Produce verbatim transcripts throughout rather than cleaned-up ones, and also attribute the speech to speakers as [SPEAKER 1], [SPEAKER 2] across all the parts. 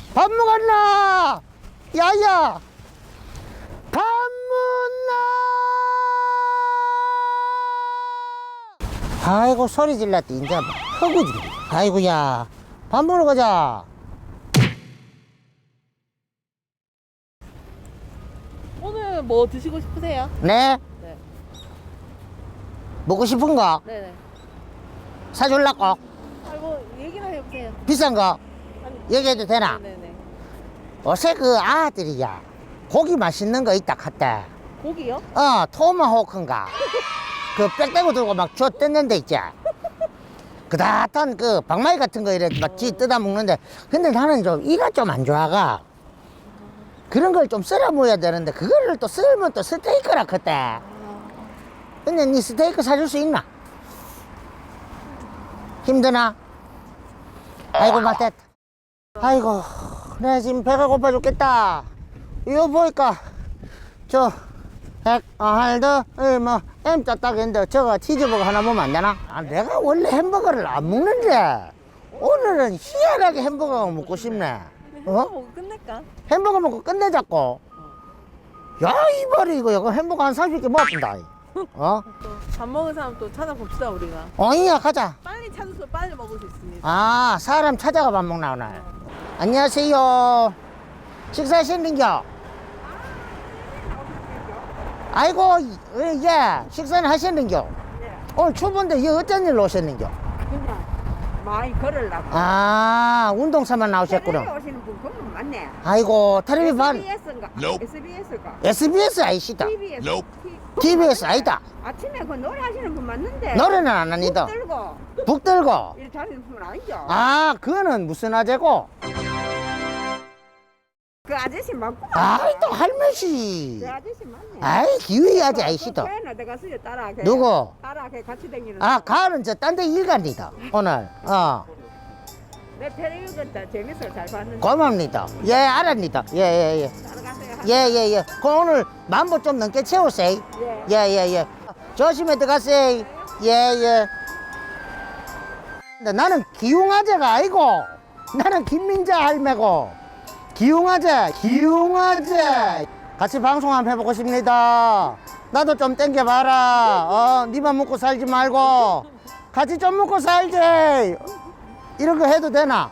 [SPEAKER 1] 밥 먹었나? 야야, 밥 먹나? 아이고, 소리 질렀대. 이제 허구지. 아이고야, 밥 먹으러 가자.
[SPEAKER 2] 오늘 뭐 드시고 싶으세요?
[SPEAKER 1] 네?
[SPEAKER 2] 네.
[SPEAKER 1] 먹고 싶은 거
[SPEAKER 2] 네네.
[SPEAKER 1] 사줄라고?
[SPEAKER 2] 아이고, 얘기나 해보세요.
[SPEAKER 1] 비싼 거
[SPEAKER 2] 아니,
[SPEAKER 1] 얘기해도 되나?
[SPEAKER 2] 네네.
[SPEAKER 1] 어제 그 아들이야, 고기 맛있는 거 있다 갔대.
[SPEAKER 2] 고기요?
[SPEAKER 1] 어, 토마호크인가? 그 빽대고 들고 막 줘 뜯는 데 있지? 그다탄 그 박마이 같은 거 이래 막지 뜯어 먹는데, 근데 나는 좀 이가 좀 안 좋아가. 그런 걸 좀 썰어 먹어야 되는데 그거를 또 썰면 또 스테이크라 그때. 근데 니 스테이크 사줄 수 있나? 힘드나? 아이고 맞댔다. 아이고, 내가 지금 배가 고파 죽겠다. 이거 보니까 저 핵, 어, 할더, 뭐 M 짜딱인데 저거 치즈버거 하나 먹으면 안 되나? 아, 내가 원래 햄버거를 안 먹는데 오늘은 희한하게 햄버거가 먹고 싶네.
[SPEAKER 2] 햄버거
[SPEAKER 1] 어?
[SPEAKER 2] 먹고 끝낼까?
[SPEAKER 1] 햄버거 먹고 끝내자고. 야, 이발이 이거 이거 햄버거 한 삼십 개 먹었다. 어?
[SPEAKER 2] 또 밥 먹은 사람 또 찾아봅시다, 우리가.
[SPEAKER 1] 어이야, 가자.
[SPEAKER 2] 빨리 찾아서 빨리 먹을 수 있습니다.
[SPEAKER 1] 아, 사람 찾아가 밥 먹나 오늘. 안녕하세요. 식사하셨는겨? 아이고, 예, 예. 식사는 하셨는겨? 오늘 추운데 여 어쩐 일로 오셨는겨?
[SPEAKER 3] 그냥 많이 걸으려고.
[SPEAKER 1] 아, 운동삼아
[SPEAKER 3] 텔레비
[SPEAKER 1] 나오셨구나.
[SPEAKER 3] 오시는 분 그분 맞네.
[SPEAKER 1] 아이고, 텔레비 반
[SPEAKER 3] 에스비에스인가?
[SPEAKER 4] Nope.
[SPEAKER 3] 에스비에스가?
[SPEAKER 1] 에스비에스 아이시다.
[SPEAKER 3] 티비에스.
[SPEAKER 4] Nope.
[SPEAKER 1] 티비에스 아니다.
[SPEAKER 3] 아침에 그 노래 하시는 분 맞는데.
[SPEAKER 1] 노래는 안 합니다.
[SPEAKER 3] 북 들고
[SPEAKER 1] 북 들고.
[SPEAKER 3] 이렇게 하시는 분 아니죠?
[SPEAKER 1] 아, 그거는 무슨 아재고?
[SPEAKER 3] 그 아저씨 맞고.
[SPEAKER 1] 아이, 또 할매시.
[SPEAKER 3] 그 아저씨 맞네.
[SPEAKER 1] 아이, 기위 아재 아이시다.
[SPEAKER 3] 그 어디 갔어요? 따라. 걔.
[SPEAKER 1] 누구?
[SPEAKER 3] 따라 걔 같이 다니는.
[SPEAKER 1] 아, 가을은 저 딴 데 일 갑니다. 오늘. 어,
[SPEAKER 3] 내 텔레비 같다. 재밌어 잘 봤는데.
[SPEAKER 1] 고맙니다. 예, 알았니다. 예, 예, 예.
[SPEAKER 3] 따라가세요.
[SPEAKER 1] 예, 예, 예. 그 오늘 만보 좀 넘게 채우세요.
[SPEAKER 3] 예.
[SPEAKER 1] 예, 예, 예. 조심해 들어가세요. 예, 예. 근데 나는 기웅아재가 아니고, 나는 김민자 할매고, 기웅아재, 기웅아재. 같이 방송 한번 해보고 싶습니다. 나도 좀 땡겨봐라. 어, 니만 먹고 살지 말고, 같이 좀 먹고 살지. 이런 거 해도 되나?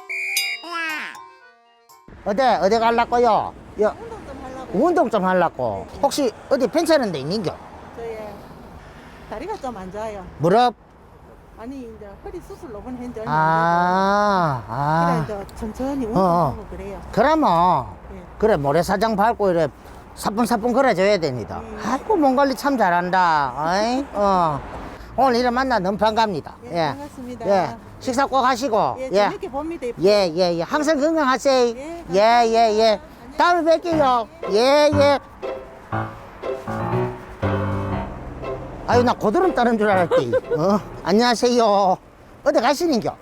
[SPEAKER 1] 어디, 어디 갈라고요? 여,
[SPEAKER 2] 운동 좀 하려고.
[SPEAKER 1] 운동 좀 하려고. 혹시 어디 괜찮은 데 있는겨?
[SPEAKER 2] 저희 다리가 좀 안 좋아요.
[SPEAKER 1] 무릎?
[SPEAKER 2] 아니, 이제 허리 수술 로번 했는데
[SPEAKER 1] 아, 아.
[SPEAKER 2] 그래, 이제 천천히
[SPEAKER 1] 어,
[SPEAKER 2] 운동하고 그래요.
[SPEAKER 1] 그러면,
[SPEAKER 2] 예.
[SPEAKER 1] 그래, 모래사장 밟고 이래 사뿐사뿐 걸어줘야 됩니다. 아이고, 몸 관리 참 잘한다. 어이? 어. 오늘 이래 만나 너무 반갑니다.
[SPEAKER 2] 예, 반갑습니다.
[SPEAKER 1] 예. 식사 꼭 하시고.
[SPEAKER 2] 예,
[SPEAKER 1] 예.
[SPEAKER 2] 재밌게 봅니다.
[SPEAKER 1] 예, 예, 예. 항상 건강하세요.
[SPEAKER 2] 예,
[SPEAKER 1] 예, 예, 예. 다음에 뵐게요. 예, 예. 아유, 나 고드름 따는 줄 알았지. 어? 안녕하세요. 어디 가시는겨?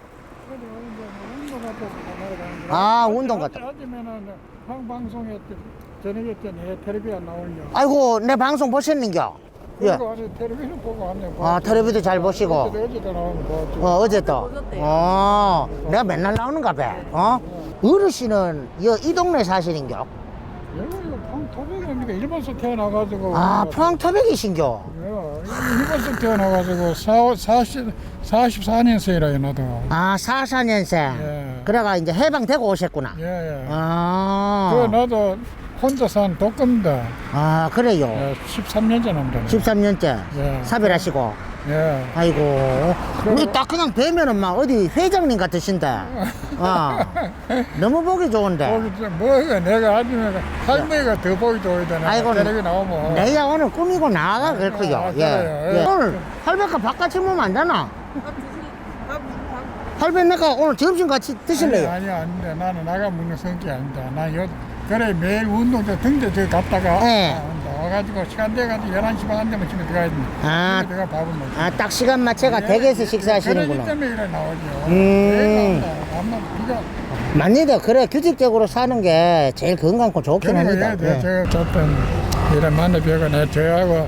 [SPEAKER 1] 아, 운동 갔다.
[SPEAKER 5] 아침에는 방송에 저녁에 때는 텔레비 안 나오냐.
[SPEAKER 1] 아이고, 내 방송 보셨는겨? 예.
[SPEAKER 5] 그리고 아니 텔레비는 보고 왔네.
[SPEAKER 1] 아, 텔레비도 잘 보시고.
[SPEAKER 5] 어제도 어제도 나오는 거. 좀.
[SPEAKER 1] 어, 어제 또. 어, 내가 맨날 나오는가 봐. 어? 어르신은 여, 이 동네 사시는겨?
[SPEAKER 5] 여기 방토백이니까 일본서 태어나가지고.
[SPEAKER 1] 아, 포항 토백이신겨?
[SPEAKER 5] 예, 일본서 태어나가지고 사, 사십, 사십사 년생이라 나도.
[SPEAKER 1] 아, 사사 년생.
[SPEAKER 5] 예.
[SPEAKER 1] 그래가 이제 해방되고 오셨구나.
[SPEAKER 5] 예, 예.
[SPEAKER 1] 아.
[SPEAKER 5] 그 나도 혼자 산 독감다.
[SPEAKER 1] 아, 그래요.
[SPEAKER 5] 예, 십삼 년째 남다.
[SPEAKER 1] 십삼 년째.
[SPEAKER 5] 예.
[SPEAKER 1] 사별하시고.
[SPEAKER 5] 예.
[SPEAKER 1] 아이고. 우리 딱 그냥 뵈면은 막 어디 회장님 같으신데. 어. 너무 보기 좋은데.
[SPEAKER 5] 거기 저 뭐가 내가 아침에 할머니가 더 보기 좋으잖아.
[SPEAKER 1] 아이고,
[SPEAKER 5] 텔레비 나오면.
[SPEAKER 1] 내가 오늘 꾸미고 나가 그렇고요.
[SPEAKER 5] 아,
[SPEAKER 1] 예.
[SPEAKER 5] 그래요?
[SPEAKER 1] 예.
[SPEAKER 5] 예.
[SPEAKER 1] 오늘 할배가 바깥에 먹으면 안 되나?
[SPEAKER 2] 밥 드실, 밥, 밥.
[SPEAKER 1] 할배 내가 오늘 점심 같이 드실래요?
[SPEAKER 5] 아니, 아니, 아닌데 나는 나가 먹는 성격이 아니다. 나 요, 그래, 매일 운동 저 등대 저 갔다가
[SPEAKER 1] 네.
[SPEAKER 5] 아, 와가지고 시간 돼가지고 열한 시 반 되면 집에 들어가야 돼.
[SPEAKER 1] 아.
[SPEAKER 5] 집에 들어가 밥을 먹지.
[SPEAKER 1] 아, 딱 시간 맞춰가 댁에서 식사하시는구나.
[SPEAKER 5] 그러기 때문에 이래 나오죠.
[SPEAKER 1] 음.
[SPEAKER 5] 매일 나온다. 아마 비가.
[SPEAKER 1] 맞니다. 그래, 규칙적으로 사는 게 제일 건강고 좋긴
[SPEAKER 5] 그래,
[SPEAKER 1] 합니다.
[SPEAKER 5] 예,
[SPEAKER 1] 예.
[SPEAKER 5] 제가 어떤 이런 만나 뵈고 내 저하고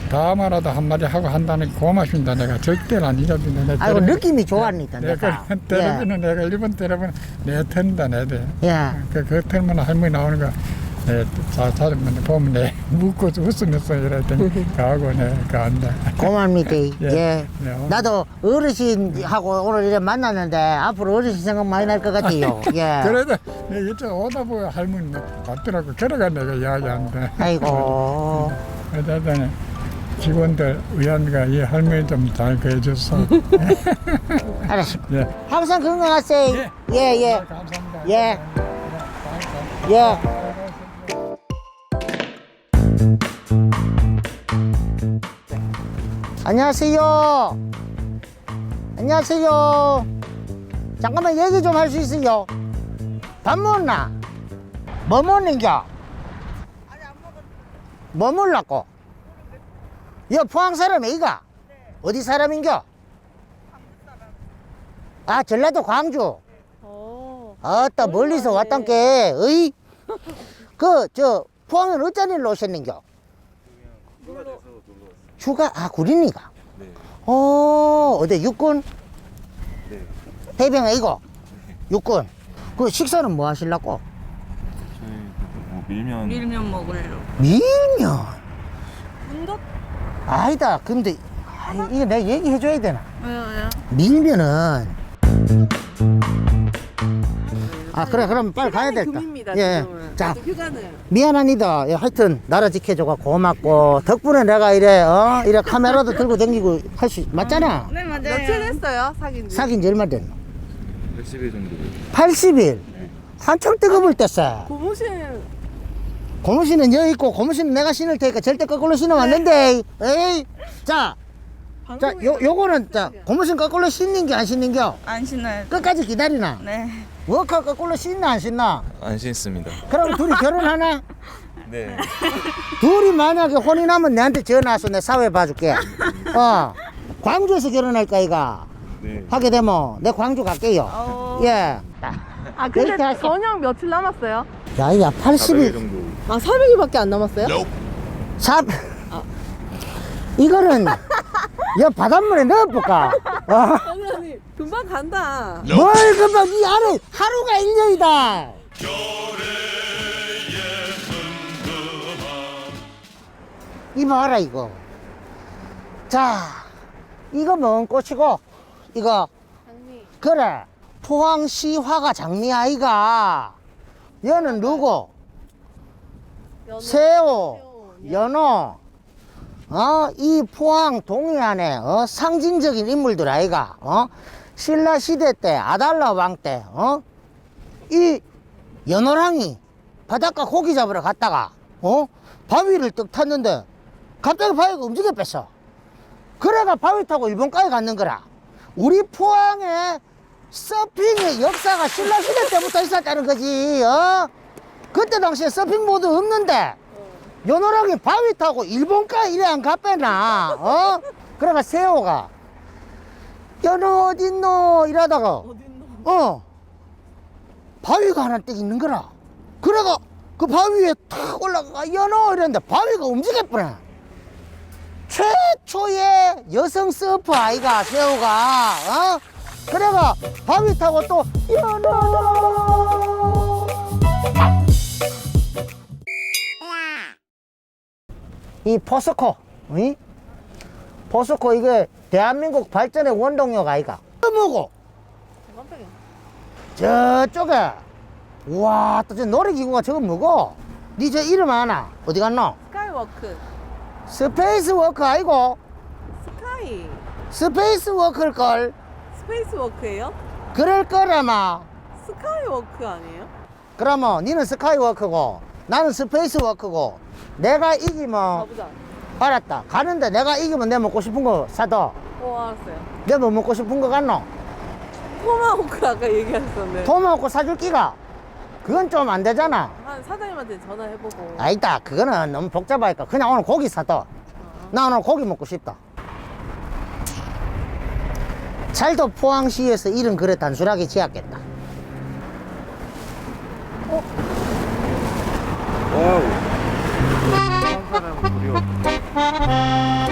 [SPEAKER 5] 다음화라도 한마디 하고 한다는 게 고맙습니다. 내가 절대로 안 잊어준다. 내
[SPEAKER 1] 아이고
[SPEAKER 5] 때려-
[SPEAKER 1] 느낌이 좋았니다
[SPEAKER 5] 내가
[SPEAKER 1] 내가.
[SPEAKER 5] 때려보는 내가 일본 때려보는 내 턴다 내 대.
[SPEAKER 1] 예.
[SPEAKER 5] 그, 그 턴만 할머니 나오는 거 내, 자, 자주면 보면 내 묻고 웃으면서 이럴 때 가고 내가 안다.
[SPEAKER 1] 고맙니다. 예.
[SPEAKER 5] 예. 네.
[SPEAKER 1] 나도 어르신하고 오늘 이래 만났는데 앞으로 어르신 생각 많이 날 것 같아요. 예.
[SPEAKER 5] 그래도 내 이쪽 오다 보면 할머니 왔더라고. 그래가 내가 이야기한다.
[SPEAKER 1] 아이고.
[SPEAKER 5] 그러더니 직원들 의원가 이 할머니 좀 잘 구해줘서.
[SPEAKER 1] 알았어.
[SPEAKER 5] 예.
[SPEAKER 1] 항상 건강하세요.
[SPEAKER 5] 예.
[SPEAKER 1] 예, 예.
[SPEAKER 5] 감사합니다.
[SPEAKER 1] 예.
[SPEAKER 5] 예.
[SPEAKER 1] 예. 안녕하세요. 안녕하세요. 잠깐만 얘기 좀 할 수 있어요? 밥 먹나? 뭐 먹는겨? 뭐 먹으려고? 여 포항 사람 애가? 어디 사람인겨? 아 전라도 광주.
[SPEAKER 2] 어.
[SPEAKER 1] 아따 멀리서 왔단께. 어이? 그 저 포항은 어쩐 일로 오셨는겨? 휴가? 아 구린이가?
[SPEAKER 4] 네.
[SPEAKER 1] 어 어디 육군?
[SPEAKER 4] 네.
[SPEAKER 1] 대병 아이고? 육군. 그 식사는 뭐 하실라고?
[SPEAKER 4] 저희 뭐 밀면
[SPEAKER 3] 밀면 먹으려고.
[SPEAKER 1] 밀면.
[SPEAKER 2] 문덕
[SPEAKER 1] 아니다. 근데 아, 이거 내가 얘기해줘야 되나?
[SPEAKER 3] 왜요, 왜요?
[SPEAKER 1] 밀면은 아 그래 그럼 빨리 가야 될까?
[SPEAKER 2] 금입니다.
[SPEAKER 1] 예.
[SPEAKER 2] 지금은.
[SPEAKER 1] 자
[SPEAKER 2] 휴가는
[SPEAKER 1] 미안합니다. 예, 하여튼 나라 지켜줘가 고맙고 덕분에 내가 이래 어 이래 카메라도 들고 다니고 할 수 맞잖아.
[SPEAKER 3] 네, 맞아요.
[SPEAKER 2] 며칠 됐어요 사귄 지?
[SPEAKER 1] 사귄 지 얼마 됐노?
[SPEAKER 4] 백십 일 정도.
[SPEAKER 1] 팔십 일. 한참 뜨거울 때싸.
[SPEAKER 2] 고무신
[SPEAKER 1] 고무신은 여기 있고 고무신은 내가 신을 테니까 절대 거꾸로 신으면 안 된대. 에이. 자, 자, 요 요거는 자 고무신 거꾸로 신는 게 안 신는 겨?
[SPEAKER 3] 안 신어요.
[SPEAKER 1] 끝까지 기다리나?
[SPEAKER 3] 네.
[SPEAKER 1] 워커 거꾸로 신나 안 신나?
[SPEAKER 4] 안 신습니다.
[SPEAKER 1] 그럼 둘이 결혼하나?
[SPEAKER 4] 네.
[SPEAKER 1] 둘이 만약에 혼이 나면 내한테 전화 와서 내 사회 봐줄게. 어. 광주에서 결혼할까 이가?
[SPEAKER 4] 네.
[SPEAKER 1] 하게 되면 내 광주 갈게요.
[SPEAKER 3] 어.
[SPEAKER 1] 예.
[SPEAKER 2] 아
[SPEAKER 1] 그렇게
[SPEAKER 2] 근데
[SPEAKER 1] 할게.
[SPEAKER 2] 전역 며칠 남았어요?
[SPEAKER 1] 야, 야, 팔십
[SPEAKER 4] 사백 일
[SPEAKER 1] 일.
[SPEAKER 4] 정도.
[SPEAKER 2] 아 사백 일밖에 안 남았어요?
[SPEAKER 1] 삽. 이거는 여 바닷물에 넣어볼까? 어?
[SPEAKER 2] 아니 아니 금방 간다.
[SPEAKER 1] 뭘 금방 이 안에 하루가 일 년이다. 이거 봐라 이거. 자, 이거 뭔 꽃이고 이거
[SPEAKER 2] 장미.
[SPEAKER 1] 그래 포항시 화가 장미 아이가. 얘는 누구?
[SPEAKER 2] 연어.
[SPEAKER 1] 새우,
[SPEAKER 2] 새우,
[SPEAKER 1] 연어. 어, 이 포항 동해안에 어, 상징적인 인물들 아이가. 어? 신라 시대 때 아달라 왕 때 어? 이 연어랑이 바닷가 고기 잡으러 갔다가 어? 바위를 떡 탔는데 갑자기 바위가 움직여 뺐어. 그래가 바위 타고 일본까지 갔는 거라. 우리 포항에 서핑의 역사가 신라 시대 때부터 있었다는 거지. 어? 그때 당시에 서핑보드 없는데 연어랑이 바위 타고 일본까지 이래 안 갔빼나. 어? 그래가 새우가 연어 어딨노 이러다가 어 바위가 하나 딱 있는 거라. 그래가 그 바위에 탁 올라가 연어 이랬는데 바위가 움직였구나. 최초의 여성 서프 아이가 새우가 어? 그래가 바위 타고 또 연어 이 포스코 이? 포스코 이게 대한민국 발전의 원동력 아이가 뭐고 저쪽에 우와 또 저 놀이기구가 저거 뭐고 니 저 이름 아나 어디 갔노?
[SPEAKER 2] 스카이워크.
[SPEAKER 1] 스페이스 워크 아이고
[SPEAKER 2] 스카이.
[SPEAKER 1] 스페이스 워크일걸
[SPEAKER 2] 스페이스워크예요?
[SPEAKER 1] 그럴 거라마.
[SPEAKER 2] 스카이워크 아니에요?
[SPEAKER 1] 그러면 니는 스카이워크고 나는 스페이스워크고 내가 이기면
[SPEAKER 2] 가보자.
[SPEAKER 1] 알았다 가는데 내가 이기면 내 먹고 싶은 거 사둬.
[SPEAKER 2] 어 알았어요.
[SPEAKER 1] 내 뭐 먹고 싶은 거 같노?
[SPEAKER 2] 토마호크 아까 얘기하셨는데.
[SPEAKER 1] 토마호크 사줄 끼가 그건 좀 안 되잖아.
[SPEAKER 2] 한 사장님한테 전화해보고.
[SPEAKER 1] 아니다 그거는 너무 복잡하니까 그냥 오늘 고기 사둬. 나 오늘 고기 먹고 싶다. 잘도 포항시에서 이름 그래 단순하게 지었겠다.
[SPEAKER 4] 와우. 한 사람 무료.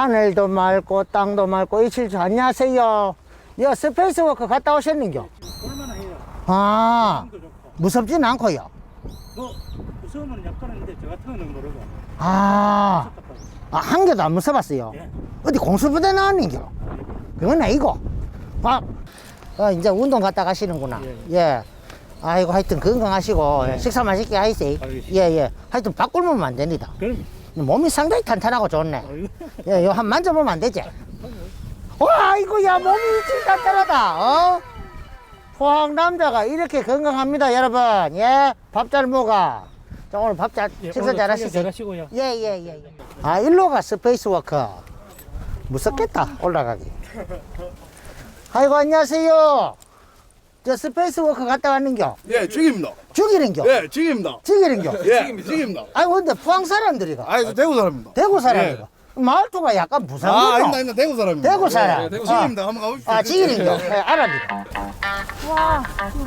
[SPEAKER 1] 하늘도 맑고 땅도 맑고 이칠주 안녕하세요. 여 스페이스워크 갔다 오셨는겨?
[SPEAKER 6] 볼만해요.
[SPEAKER 1] 아
[SPEAKER 6] 도 좋고.
[SPEAKER 1] 무섭진 않고요.
[SPEAKER 6] 뭐 무서우면 약간인데 저 같은 거는 모르고.
[SPEAKER 1] 아, 아, 한 개도 안 무서웠어요.
[SPEAKER 6] 예.
[SPEAKER 1] 어디 공수부대 나왔는겨? 그건 아니고. 아, 어, 이제 운동 갔다 가시는구나. 예. 아이고, 하여튼 건강하시고, 예. 식사 맛있게 하세요. 예, 예. 하여튼 밥 굶으면 안 됩니다.
[SPEAKER 6] 그럼
[SPEAKER 1] 몸이 상당히 탄탄하고 좋네. 예, 요 한 만져보면 안 되지? 와, 아이고, 야, 몸이 일찍 탄탄하다. 어? 포항 남자가 이렇게 건강합니다, 여러분. 예. 밥 잘 먹어. 자, 오늘 밥 잘,
[SPEAKER 6] 예,
[SPEAKER 1] 식사
[SPEAKER 6] 오늘
[SPEAKER 1] 잘
[SPEAKER 6] 촬영
[SPEAKER 1] 하시세요.
[SPEAKER 6] 잘하시고요.
[SPEAKER 1] 예, 예, 예, 예. 아, 일로가 스페이스워크. 무섭겠다, 올라가기. 아이고, 안녕하세요. 저 스페이스워크 갔다 왔는겨?
[SPEAKER 7] 예, 죽입니다.
[SPEAKER 1] 죽이는겨?
[SPEAKER 7] 예, 죽입니다.
[SPEAKER 1] 죽이는겨?
[SPEAKER 7] 예, 죽입니다.
[SPEAKER 1] 아이고, 근데 포항 사람들이가.
[SPEAKER 7] 아, 저 대구 사람입니다.
[SPEAKER 1] 대구 사람이가. 말투가 약간
[SPEAKER 7] 아,
[SPEAKER 1] 무상이다.
[SPEAKER 7] 아닙니다, 아닙니다. 대구 사람입니다.
[SPEAKER 1] 대구 사람.
[SPEAKER 7] 예, 대구
[SPEAKER 1] 아.
[SPEAKER 7] 죽입니다. 한번 가보십시오.
[SPEAKER 1] 아, 지기는겨? 네, 알아니다. 와,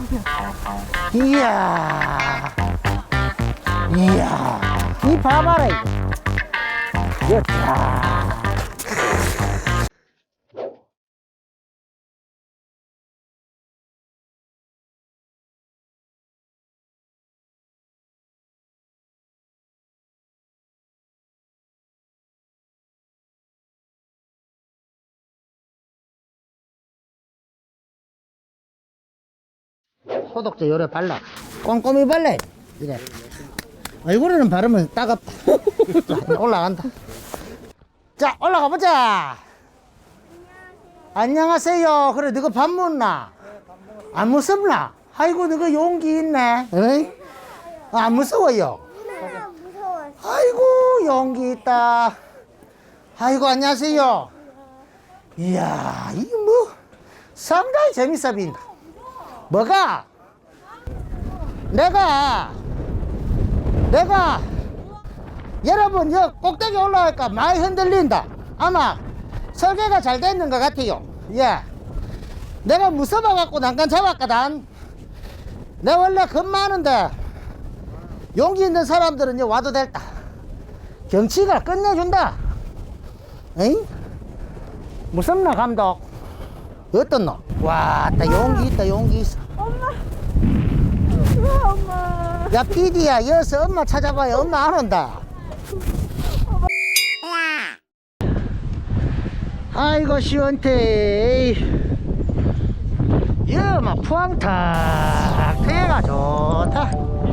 [SPEAKER 1] 이야. 이야. 이 봐봐라, 이거. 이야. 소독제 요래 발라. 꼼꼼히 발라. 이래. 얼굴에는 바르면 따갑다. 자, 올라간다. 자, 올라가 보자. 안녕하세요. 그래, 너가 밥 먹나? 안 무섭나? 아이고, 너가 용기 있네. 어이? 아, 안 무서워요. 아이고, 용기 있다. 아이고, 안녕하세요. 이야, 이거 뭐, 상당히 재밌어 보인다. 뭐가? 내가 내가 여러분 여 꼭대기 올라갈까 많이 흔들린다. 아마 설계가 잘 됐는 것 같아요. 예, 내가 무서워 갖고 난간 잡았거든. 내 원래 겁 많은데 용기 있는 사람들은 이제 와도 됐다. 경치가 끝내준다. 에이? 무섭나 감독? 어떤 너? 와, 나 용기 있다, 용기 있어.
[SPEAKER 2] 엄마. 엄마.
[SPEAKER 1] 야, 피디야, 여기서 엄마 찾아봐요. 엄마 안 온다. 아이고, 시원태. 여마 포항 탁 트여가 좋다.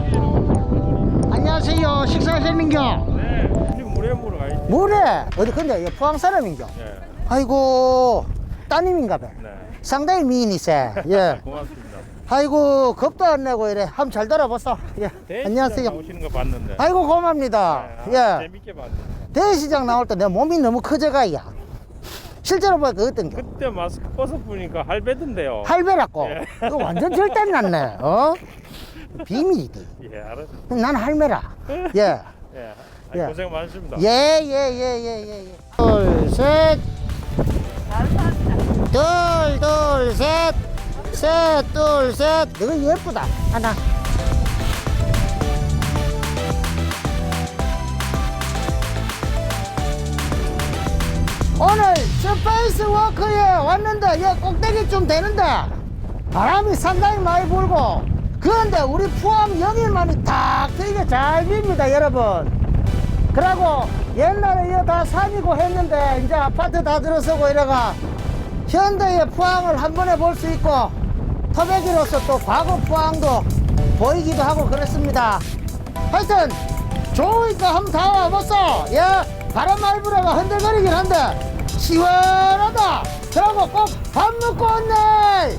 [SPEAKER 1] 안녕하세요. 식사하셨는겨?
[SPEAKER 6] 네. 지금 물에 물어 가야지.
[SPEAKER 1] 뭐래? 어디 근데 포항 사람인겨?
[SPEAKER 6] 네.
[SPEAKER 1] 아이고, 따님인가 봐.
[SPEAKER 6] 네.
[SPEAKER 1] 상당히 미인이세. 예.
[SPEAKER 6] 고맙습니다.
[SPEAKER 1] 아이고, 겁도 안 내고 이래. 한번 잘 돌아보소. 예. 안녕하세요.
[SPEAKER 6] 나오시는 거 봤는데.
[SPEAKER 1] 아이고, 고맙습니다.
[SPEAKER 6] 네, 아,
[SPEAKER 1] 예.
[SPEAKER 6] 재밌게 봤는데.
[SPEAKER 1] 대시장 나올 때 내 몸이 너무 커져가야. 실제로 보니까 어떤겨?
[SPEAKER 6] 그때 마스크 벗어보니까 할배던데요.
[SPEAKER 1] 할매라고.
[SPEAKER 6] 예.
[SPEAKER 1] 이거 완전 절대 났네. 어? 비밀이지.
[SPEAKER 6] 예, 알았.
[SPEAKER 1] 난 할매라. 예.
[SPEAKER 6] 예. 아니,
[SPEAKER 1] 예.
[SPEAKER 6] 고생 많으십니다.
[SPEAKER 1] 예, 예, 예, 예, 예, 예. 둘, 셋. 둘, 둘, 셋. 셋, 둘, 셋. 너가 예쁘다. 하나. 오늘 스페이스워크에 왔는데 여기 꼭대기쯤 되는데 바람이 상당히 많이 불고 그런데 우리 포함 영일만이 딱 되게 잘 빕니다, 여러분. 그러고 옛날에 이거 다 산이고 했는데 이제 아파트 다 들어서고 이래가 현대의 포항을 한 번에 볼 수 있고 터베기로서 또 과거 포항도 보이기도 하고 그렇습니다. 하여튼 좋으니까 한번 다 와보소. 예, 바람 많이 불어가 흔들거리긴 한데 시원하다. 그러고 꼭 밥 먹고 왔네.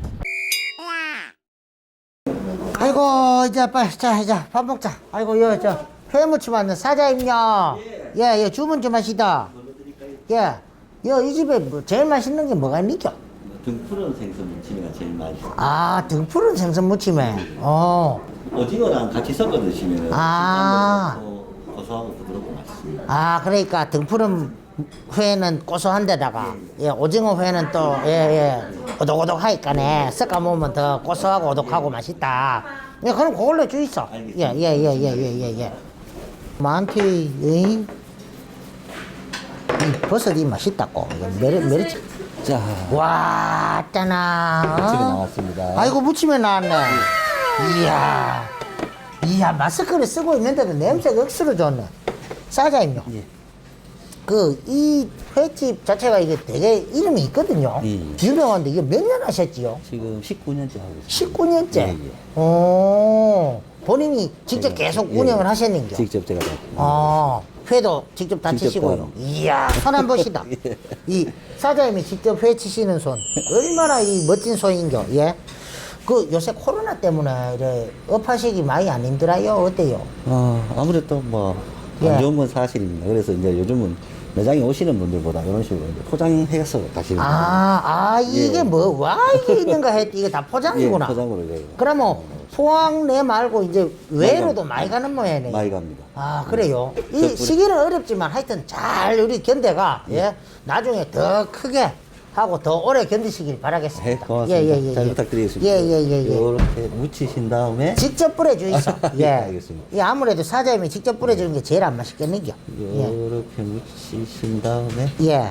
[SPEAKER 1] 아이고, 이제 빨리 자 이제 밥 먹자. 아이고, 여 저 회무침 왔네. 사장님요. 예, 예, 주문 좀 하시다. 예, 여 이 집에 뭐 제일 맛있는 게 뭐가 있니겨?
[SPEAKER 8] 등푸른 생선 무침이가 제일 맛있어요.
[SPEAKER 1] 아, 등푸른 생선 무침에. 어.
[SPEAKER 8] 오징어랑 같이 섞어 드시면
[SPEAKER 1] 아.
[SPEAKER 8] 고소하고 부드럽고 맛있습니다.
[SPEAKER 1] 아, 그러니까 등푸른 회는 고소한 데다가 예, 오징어 회는 또 예, 예, 오독오독하니까네 섞어 먹으면 더 고소하고 오독하고 맛있다. 예, 그럼 그걸로 주이소. 예, 예, 예, 예, 예, 예, 예. 많티, 응? 이 버섯이 맛있다고. 이거 메리, 메리치.
[SPEAKER 8] 자,
[SPEAKER 1] 와, 짜나.
[SPEAKER 8] 집에 나왔습니다.
[SPEAKER 1] 아이고, 무침에 나왔네. 이야. 이야, 마스크를 쓰고 있는데도 냄새가 억수로 좋네. 사장님요.
[SPEAKER 8] 예.
[SPEAKER 1] 그, 이 횟집 자체가 이게 되게 이름이 있거든요.
[SPEAKER 8] 예, 예.
[SPEAKER 1] 유명한데 이게 몇 년 하셨지요?
[SPEAKER 8] 지금 십구 년째 하고 있습니다.
[SPEAKER 1] 십구 년째?
[SPEAKER 8] 예, 예.
[SPEAKER 1] 오, 본인이 직접
[SPEAKER 8] 제가,
[SPEAKER 1] 계속
[SPEAKER 8] 예,
[SPEAKER 1] 운영을
[SPEAKER 8] 예.
[SPEAKER 1] 하셨는겨?
[SPEAKER 8] 직접 제가 다.
[SPEAKER 1] 아, 회도 직접 다
[SPEAKER 8] 직접
[SPEAKER 1] 치시고요.
[SPEAKER 8] 따로.
[SPEAKER 1] 이야, 손 한 번이다.
[SPEAKER 8] 예.
[SPEAKER 1] 이 사장님이 직접 회 치시는 손. 얼마나 이 멋진 손인겨, 예? 그 요새 코로나 때문에 이래 업하시기 많이 안 힘들어요? 어때요?
[SPEAKER 8] 어, 아무래도 뭐, 안
[SPEAKER 1] 예.
[SPEAKER 8] 좋은 건 사실입니다. 그래서 이제 요즘은 매장에 오시는 분들보다 이런 식으로 이제 포장해서 가시는 분들.
[SPEAKER 1] 아, 아, 이게
[SPEAKER 8] 예.
[SPEAKER 1] 뭐, 와, 이게 있는가 했더니 이게 다 포장이구나.
[SPEAKER 8] 예, 포장으로 이제.
[SPEAKER 1] 그러면 포항 내 말고 이제 외로도 많이 가는 모양이네.
[SPEAKER 8] 많이 갑니다.
[SPEAKER 1] 아, 그래요? 이
[SPEAKER 8] 덕분에-
[SPEAKER 1] 시기는 어렵지만 하여튼 잘 우리 견대가, 예, 나중에 더 크게 하고 더 오래 견디시길 바라겠습니다.
[SPEAKER 8] 네, 고맙습니다. 잘 부탁드리겠습니다.
[SPEAKER 1] 예, 예, 예, 예.
[SPEAKER 8] 이렇게 묻히신 다음에
[SPEAKER 1] 직접 뿌려주이소. 예.
[SPEAKER 8] 알겠습니다.
[SPEAKER 1] 이 아무래도 사장님이 직접 뿌려주는 게 제일 안 맛있겠는겨. 예.
[SPEAKER 8] 이렇게 묻히신 다음에
[SPEAKER 1] 예.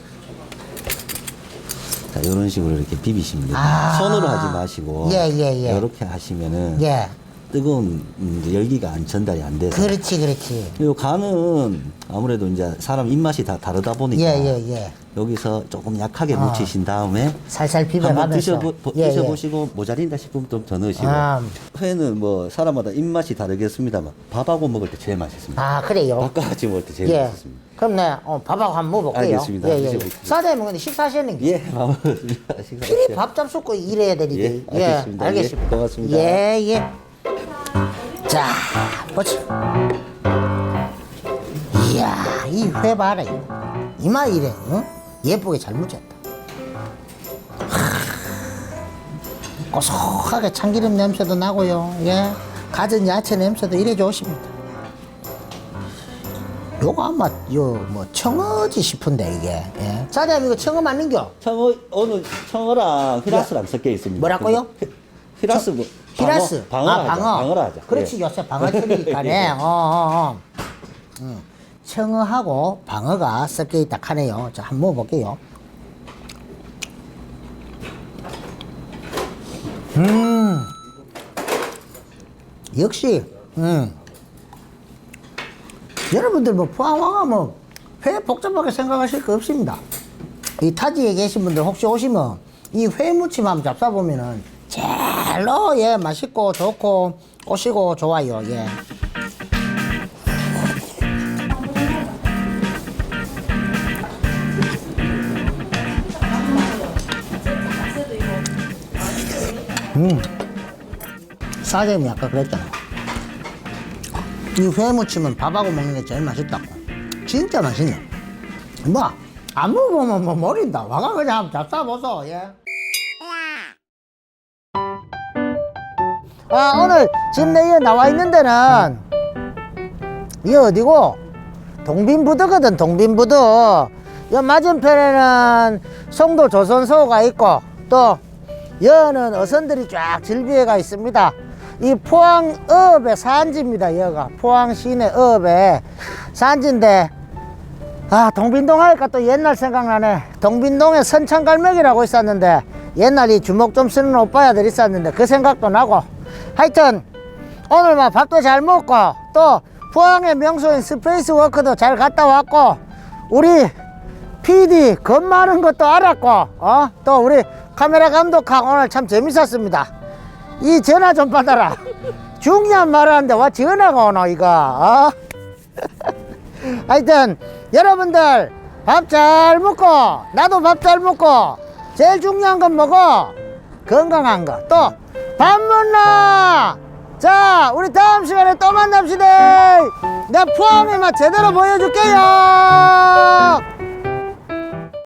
[SPEAKER 8] 자, 이런 식으로 이렇게 비비십니다.
[SPEAKER 1] 아.
[SPEAKER 8] 손으로 하지 마시고
[SPEAKER 1] 예, 예, 예.
[SPEAKER 8] 이렇게 하시면은
[SPEAKER 1] 예.
[SPEAKER 8] 뜨거운 이제 열기가 안 전달이 안 돼서
[SPEAKER 1] 그렇지, 그렇지.
[SPEAKER 8] 요 간은 아무래도 이제 사람 입맛이 다 다르다 보니까
[SPEAKER 1] 예, 예, 예.
[SPEAKER 8] 여기서 조금 약하게
[SPEAKER 1] 아.
[SPEAKER 8] 묻히신 다음에
[SPEAKER 1] 살살
[SPEAKER 8] 한번
[SPEAKER 1] 비벼가면서.
[SPEAKER 8] 드셔보,
[SPEAKER 1] 예, 예.
[SPEAKER 8] 드셔보시고 모자린다 싶으면 좀 더 넣으시고
[SPEAKER 1] 아.
[SPEAKER 8] 회는 뭐 사람마다 입맛이 다르겠습니다만 밥하고 먹을 때 제일 맛있습니다.
[SPEAKER 1] 아, 그래요?
[SPEAKER 8] 밥과 같이 먹을 때 제일
[SPEAKER 1] 예.
[SPEAKER 8] 맛있습니다.
[SPEAKER 1] 그럼 네, 어, 밥하고 한번 먹어볼게요.
[SPEAKER 8] 알겠습니다.
[SPEAKER 1] 예, 예, 예.
[SPEAKER 8] 드셔보십시오.
[SPEAKER 1] 사장님은 근데 식사하셨는겨?
[SPEAKER 8] 예, 밥 먹었습니다.
[SPEAKER 1] 필히 밥 잡숫고 일해야 되니까.
[SPEAKER 8] 예, 알겠습니다.
[SPEAKER 1] 알겠습니다.
[SPEAKER 8] 예, 고맙습니다.
[SPEAKER 1] 예, 예. 자, 보자. 이야, 이 회 봐라, 이거. 이마 이래, 어? 예쁘게 잘 묻혔다. 하, 고소하게 참기름 냄새도 나고요. 예. 갖은 야채 냄새도 이래 좋습니다. 요거 아마, 요, 뭐, 청어지 싶은데, 이게. 예. 사장님, 이거 청어 맞는겨?
[SPEAKER 8] 청어 오늘 청어랑 히라스랑 섞여 있습니다.
[SPEAKER 1] 뭐라고요?
[SPEAKER 8] 히- 히라스 뭐
[SPEAKER 1] 히라스.
[SPEAKER 8] 방어, 방어
[SPEAKER 1] 아,
[SPEAKER 8] 하자.
[SPEAKER 1] 방어.
[SPEAKER 8] 방어라 하자.
[SPEAKER 1] 그렇지,
[SPEAKER 8] 예.
[SPEAKER 1] 요새 방어철이니까네. 어, 어, 어. 음. 청어하고 방어가 섞여 있다 하네요. 자, 한번 먹어볼게요. 음. 역시, 음. 여러분들 뭐 포항 와가면 회 복잡하게 생각하실 거 없습니다. 이 타지에 계신 분들 혹시 오시면 이 회무침 한번 잡숴보면은 제일로 예 맛있고 좋고 꼬시고 좋아요. 예. 음. 사장님이 아까 그랬잖아. 이 회무침은 밥하고 먹는 게 제일 맛있다고. 진짜 맛있네. 뭐, 안 먹어보면 뭐 모른다. 와가 그냥 한번 잡숴보소, 예. 아, 오늘 지금 내에 나와 있는 데는, 이 어디고? 동빈부두거든, 동빈부두. 이 맞은편에는 송도 조선소가 있고, 또, 여는 어선들이 쫙 질비해가 있습니다. 이 포항 어업의 산지입니다. 여가 포항 시내 어업의 산지인데, 아, 동빈동 하니까 또 옛날 생각나네. 동빈동에 선창갈매기라고 있었는데 옛날 이 주먹 좀 쓰는 오빠야들 있었는데 그 생각도 나고, 하여튼 오늘 막 밥도 잘 먹고 또 포항의 명소인 스페이스워크도 잘 갔다 왔고, 우리 피디 겁 많은 것도 알았고, 어? 또 우리 카메라 감독하고 오늘 참 재밌었습니다. 이 전화 좀 받아라. 중요한 말 하는데 와 전화가 오노 이거, 어? 하여튼 여러분들 밥 잘 먹고 나도 밥 잘 먹고 제일 중요한 건 뭐고? 건강한 거. 또 밥 먹나? 자, 우리 다음 시간에 또 만납시다. 내가 포항의 맛 제대로 보여줄게요.